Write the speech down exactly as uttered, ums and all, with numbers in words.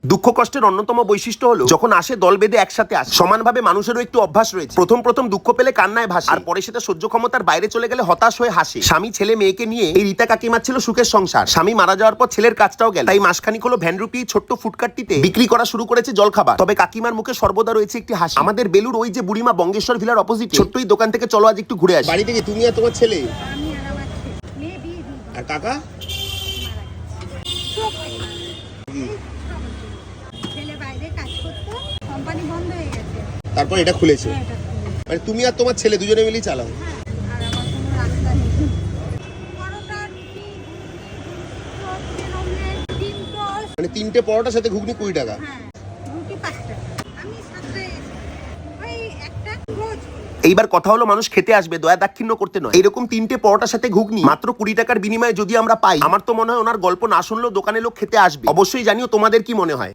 দুঃখ কষ্টের অন্যতম বৈশিষ্ট্য হলো যখন আসে দল বেঁধে একসাথে আসে। সমানভাবে মানুষেরও একটু অভ্যাস রয়েছে। প্রথম প্রথম দুঃখ পেলে কান্নায় ভাসে, আর পরে সেটা সহ্য ক্ষমতার বাইরে চলে গেলে হতাশ হয়ে হাসে। স্বামী ছেলে মেয়েকে নিয়ে এই রীতা কাকিমার ছিল সুখের সংসার। স্বামী মারা যাওয়ার পর ছেলের কাজটাও গেল, তাই মাসখানিক হলো ভ্যান রুপি ছোট্ট ফুটকাটটিতে বিক্রি করা শুরু করেছে জলখাবার। তবে কাকিমার মুখে সর্বদা রয়েছে একটি হাসি। আমাদের বেলুর ওই যে বুড়িমা বঙ্গেশ্বর ভিলার অপোজিট ছোট্টই দোকান থেকে চলো আজ একটু ঘুরে আসি। বাড়ি থেকে তুমি আর তোমার ছেলে আমি আর আমার ছেলে, মেয়ে বিয়ে দিয়ে দিই, আর কাকা মারা গেছে। চোখ নেই। ছেলে বাইরে কাজ করতো, কোম্পানি বন্ধ হয়ে গেছে। তারপর এটা খুলেছে। হ্যাঁ, এটা খুলেছে। মানে তুমি আর তোমার ছেলে দুজনে মিলেই চালাও। হ্যাঁ, আর আমার কোনো রাস্তা নেই। পরোটা, রুটি, চপ, তেল অমলেট, ডিম টোস্ট। মানে তিনটে পরোটার সাথে ঘুগনি কুড়ি টাকা। হ্যাঁ, রুটি পাঁচ টাকা। আমি সাতটায় এসেছি। ওই একটা রোজ। এইবার কথা হলো মানুষ খেতে আসবে, দয়া দাক্ষিণ্য করতে নয়। এরকম তিনটে পরোটার সাথে ঘুগনি মাত্র কুড়ি টাকার বিনিময়ে যদি আমরা পাই, আমার তো মনে হয় ওনার গল্প না শুনলেও দোকানে লোক খেতে আসবে। অবশ্যই জানিও তোমাদের কি মনে হয়।